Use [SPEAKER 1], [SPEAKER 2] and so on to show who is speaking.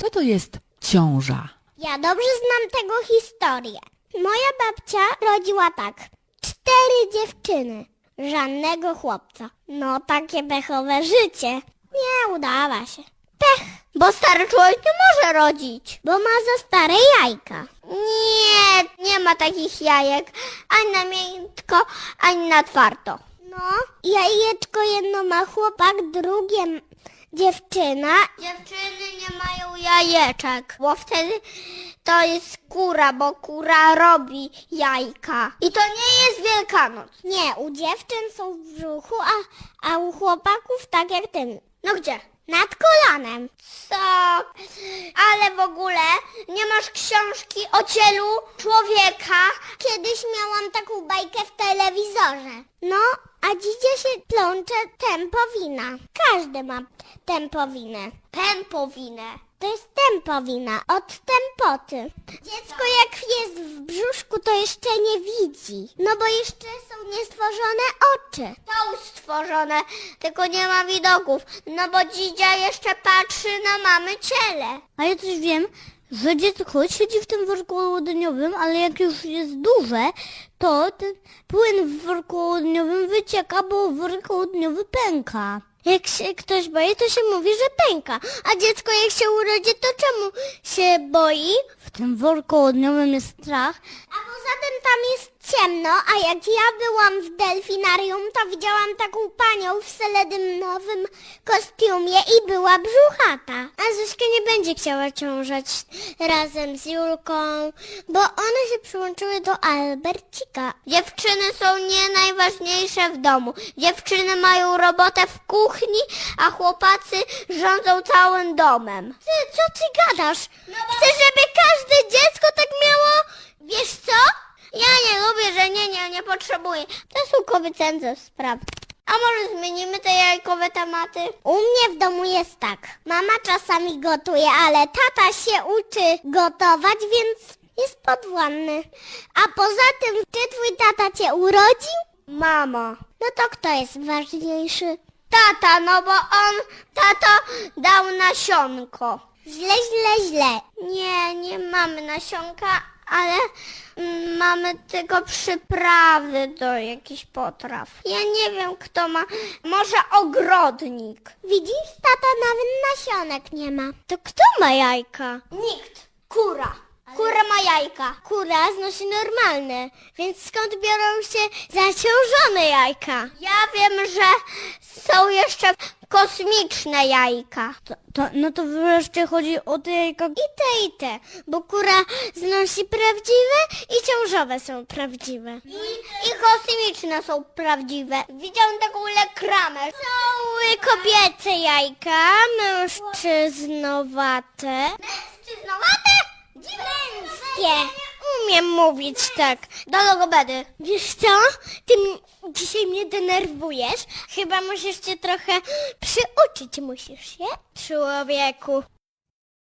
[SPEAKER 1] Co to jest ciąża?
[SPEAKER 2] Ja dobrze znam tego historię. Moja babcia rodziła tak. 4 dziewczyny, żadnego chłopca. No takie pechowe życie. Nie udała się. Pech, bo stary człowiek nie może rodzić, bo ma za stare jajka. Nie ma takich jajek, ani na miękko, ani na twardo. No, jajeczko jedno ma chłopak, drugie dziewczyna. Dziewczyny nie mają jajeczek, bo wtedy to jest kura, bo kura robi jajka. I to nie jest Wielkanoc. Nie, u dziewczyn są w brzuchu, a u chłopaków tak jak ten. No gdzie? Nad kolanem. Co? Ale w ogóle nie masz książki o cielu człowieka? Kiedyś miałam taką bajkę w telewizorze. No, a dzidzie się plącze tempowina. Każdy ma tempowinę. Tempowinę. To jest tempowina, od tempoty. Dziecko jak jest w brzuszku, to jeszcze nie widzi. No bo jeszcze są niestworzone oczy. Są stworzone, tylko nie ma widoków. No bo dzidzia jeszcze patrzy na mamy ciele.
[SPEAKER 3] A ja też wiem, że dziecko siedzi w tym worku ołodniowym, ale jak już jest duże, to ten płyn w worku ołodniowym wycieka, bo worek ołodniowy pęka.
[SPEAKER 2] Jak się ktoś boi, to się mówi, że pęka. A dziecko jak się urodzi, to czemu się boi?
[SPEAKER 3] W tym worku ołodniowym jest strach.
[SPEAKER 2] A poza tym tam jest ciemno, a jak ja byłam w delfinarium, to widziałam taką panią w seledynowym kostiumie i była brzuchata. A Zuzka nie będzie chciała ciążać razem z Julką, bo one się przyłączyły do Albercika. Dziewczyny są nie najważniejsze w domu. Dziewczyny mają robotę w kuchni, a chłopacy rządzą całym domem. Ty, co ty gadasz? Chcę, żeby każde dziecko tak miało... Wiesz co? Ja nie lubię, że nie potrzebuję. To są kobiece sprawy. A może zmienimy te jajkowe tematy? U mnie w domu jest tak. Mama czasami gotuje, ale tata się uczy gotować, więc jest podwładny. A poza tym, czy twój tata cię urodził? Mama. No to kto jest ważniejszy? Tata, no bo tato dał nasionko. Źle. Nie mamy nasionka, ale mamy tylko przyprawy do jakichś potraw. Ja nie wiem, kto ma. Może ogrodnik. Widzisz, tata nawet nasionek nie ma. To kto ma jajka? Nikt. Kura. Kura ma jajka. Kura znosi normalne, więc skąd biorą się zaciążone jajka? Ja wiem, że są jeszcze kosmiczne jajka.
[SPEAKER 3] No to wreszcie chodzi o te jajka.
[SPEAKER 2] I te, bo kura znosi prawdziwe i ciążowe są prawdziwe. I kosmiczne są prawdziwe. Widziałam taką lekramę. Są kobiece jajka, mężczyznowate. Mężczyznowate? Męskie. Umiem mówić tak. Do logopedy. Wiesz co? Ty dzisiaj mnie denerwujesz. Chyba musisz cię trochę przyuczyć. Musisz się? Człowieku.